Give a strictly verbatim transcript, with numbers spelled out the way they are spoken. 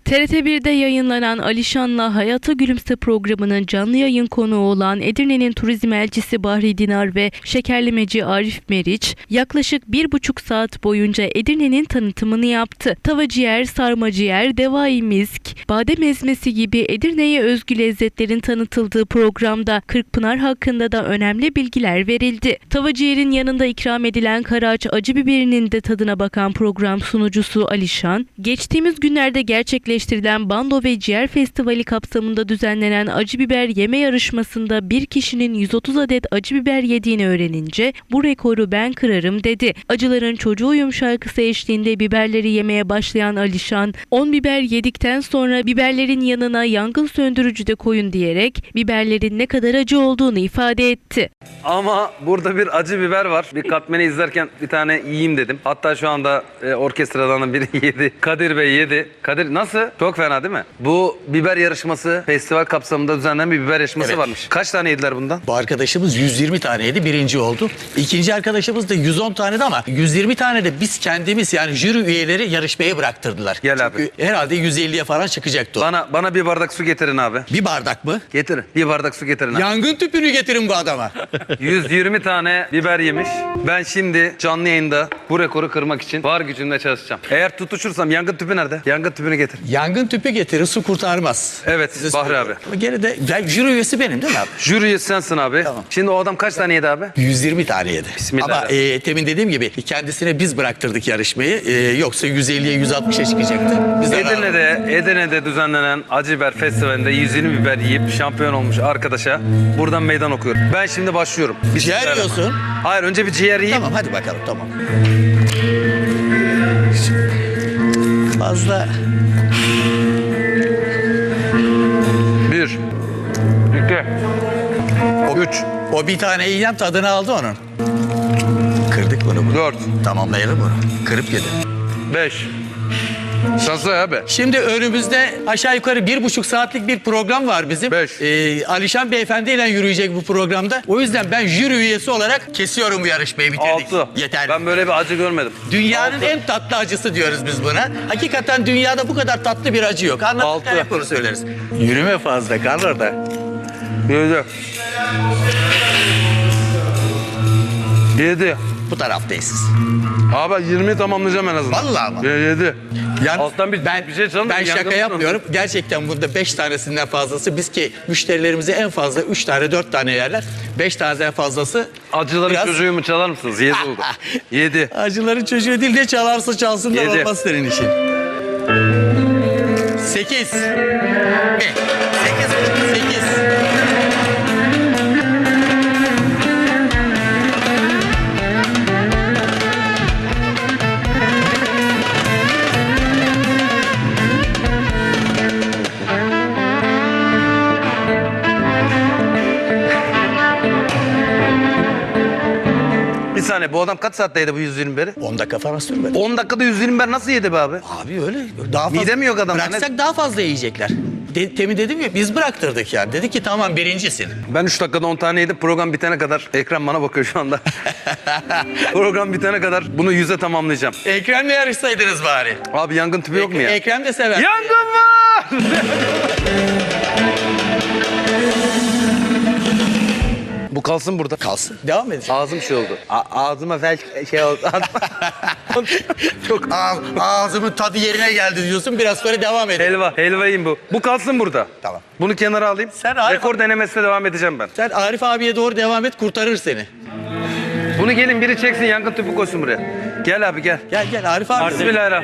T R T bir'de yayınlanan Alişan'la Hayata Gülümse programının canlı yayın konuğu olan Edirne'nin turizm elçisi Bahri Dinar ve şekerlemeci Arif Meriç yaklaşık bir buçuk saat boyunca Edirne'nin tanıtımını yaptı. Tava ciğer, sarma ciğer, devai misk, badem ezmesi gibi Edirne'ye özgü lezzetlerin tanıtıldığı programda Kırkpınar hakkında da önemli bilgiler verildi. Tava ciğerin yanında ikram edilen karaağaç acı biberinin de tadına bakan program sunucusu Alişan, geçtiğimiz günlerde gerçekleştirilen Bando ve Ciğer Festivali kapsamında düzenlenen acı biber yeme yarışmasında bir kişinin yüz otuz adet acı biber yediğini öğrenince bu rekoru ben kırarım dedi. Acıların Çocuğuyum şarkısı eşliğinde biberleri yemeye başlayan Alişan, on biber yedikten sonra biberlerin yanına yangın söndürücü de koyun diyerek biberlerin ne kadar acı olduğunu ifade etti. Ama burada bir acı biber var. Bir katmeni izlerken bir tane yiyeyim dedim. Hatta şu anda e, orkestradan da biri yedi. Kadir Bey yedi. Kadir nasıl? Çok fena değil mi? Bu biber yarışması festival kapsamında düzenlenen bir biber yarışması Evet. varmış. Kaç tane yediler bundan? Bu arkadaşımız yüz yirmi taneydi, birinci oldu. İkinci arkadaşımız da yüz on taneydi ama yüz yirmi tane de biz kendimiz yani jüri üyeleri yarışmaya bıraktırdılar. Gel abi. Çünkü herhalde yüz elliye falan çıkacaktı o. Bana bana bir bardak su getirin abi. Bir bardak mı? Getirin. Bir bardak su getirin abi. Yangın tüpünü getirin bu adama. yüz yirmi tane biber yemiş. Ben şimdi canlı yayında bu rekoru kırmak için var gücümle çalışacağım. Eğer tutuşursam yangın tüpü nerede? Yangın tüpünü getir. Yangın tüpü getirir, su kurtarmaz. Evet, Size Bahri söylüyorum. abi. Ama gene de ben, jüri üyesi benim değil mi abi? Jüri üyesi sensin abi. Tamam. Şimdi o adam kaç tane yedi abi? yüz yirmi tane yedi. Bismillah. Ama e, temin dediğim gibi kendisine biz bıraktırdık yarışmayı. E, yoksa yüz elliye yüz altmışa çıkacaktı. Biz de Edirne'de, Edirne'de düzenlenen Acı Biber Festivali'nde yüz yirmi biber yiyip şampiyon olmuş arkadaşa buradan meydan okuyorum. Ben şimdi başlıyorum. Bir Ciğer şeyler yiyorsun. ama. Hayır, önce bir ciğer yiyeyim. Tamam hadi bakalım tamam. Fazla Bir, iki, o, üç, o bir tane yiyen tadını aldı onun. Kırdık bunu. bunu. dört, Tamamlayalım bunu. Kırıp yedi. beş. Şansı abi. Şimdi önümüzde aşağı yukarı bir buçuk saatlik bir program var bizim. Beş. Ee, Alişan Beyefendi ile yürüyecek bu programda. O yüzden ben jüri üyesi olarak kesiyorum bu yarışmayı, bitirdik. Altı. Yeter. Ben böyle bir acı görmedim. Dünyanın Altı. en tatlı acısı diyoruz biz buna. Hakikaten dünyada bu kadar tatlı bir acı yok. Anlatırken Altı. hep bunu söyleriz. Yürüme fazla kal orada. Yedi. Yedi. Bu taraftayız siz. Abi yirmi tamamlayacağım en azından. Vallahi mı? Yedi. Yani Alttan bir, ben, bir şey çalın. Ben şaka yapmıyorum. Gerçekten burada beş tanesinden fazlası. Biz ki müşterilerimize en fazla üç tane dört tane yerler. Beş taneden fazlası. Acıların Biraz- çocuğu mu çalar mısınız? Yedi oldu. Yedi. Acıların çocuğu değil de çalarsa çalsın da Yedi. olmaz senin işin. Sekiz. Bir. Sekiz. Sekiz. Bir saniye, bu adam kaç saatte yedi bu yüz yirmi biberi? On dakika falan sürmedi. on dakikada yüz yirmi biber nasıl yedi be abi? Abi öyle. Daha fazla. Mide mi yok adamın? Bıraksak daha fazla yiyecekler. De, temin dedim ya biz bıraktırdık yani. Dedi ki tamam birincisin. Ben üç dakikada on tane yedim. Program bitene kadar, ekran bana bakıyor şu anda. Program bitene kadar bunu yüze tamamlayacağım. Ekrem'le yarışsaydınız bari. Abi yangın tüpü yok mu ya? Ekrem de sever. Yangın var! Bu kalsın burada. Kalsın. Devam edin. Ağzım şey oldu. A- ağzıma felç şey oldu. Çok ağ, ağzımın tadı yerine geldi diyorsun. Biraz sonra devam edin. Helva, helvayım bu. Bu kalsın burada. Tamam. Bunu kenara alayım. Sen Arif- Rekor denemesine devam edeceğim ben. Sen Arif abiye doğru devam et, kurtarır seni. Bunu gelin biri çeksin, yangın tüpü koysun buraya. Gel abi gel. Gel gel Arif abi. Bismillahirrahmanirrahim.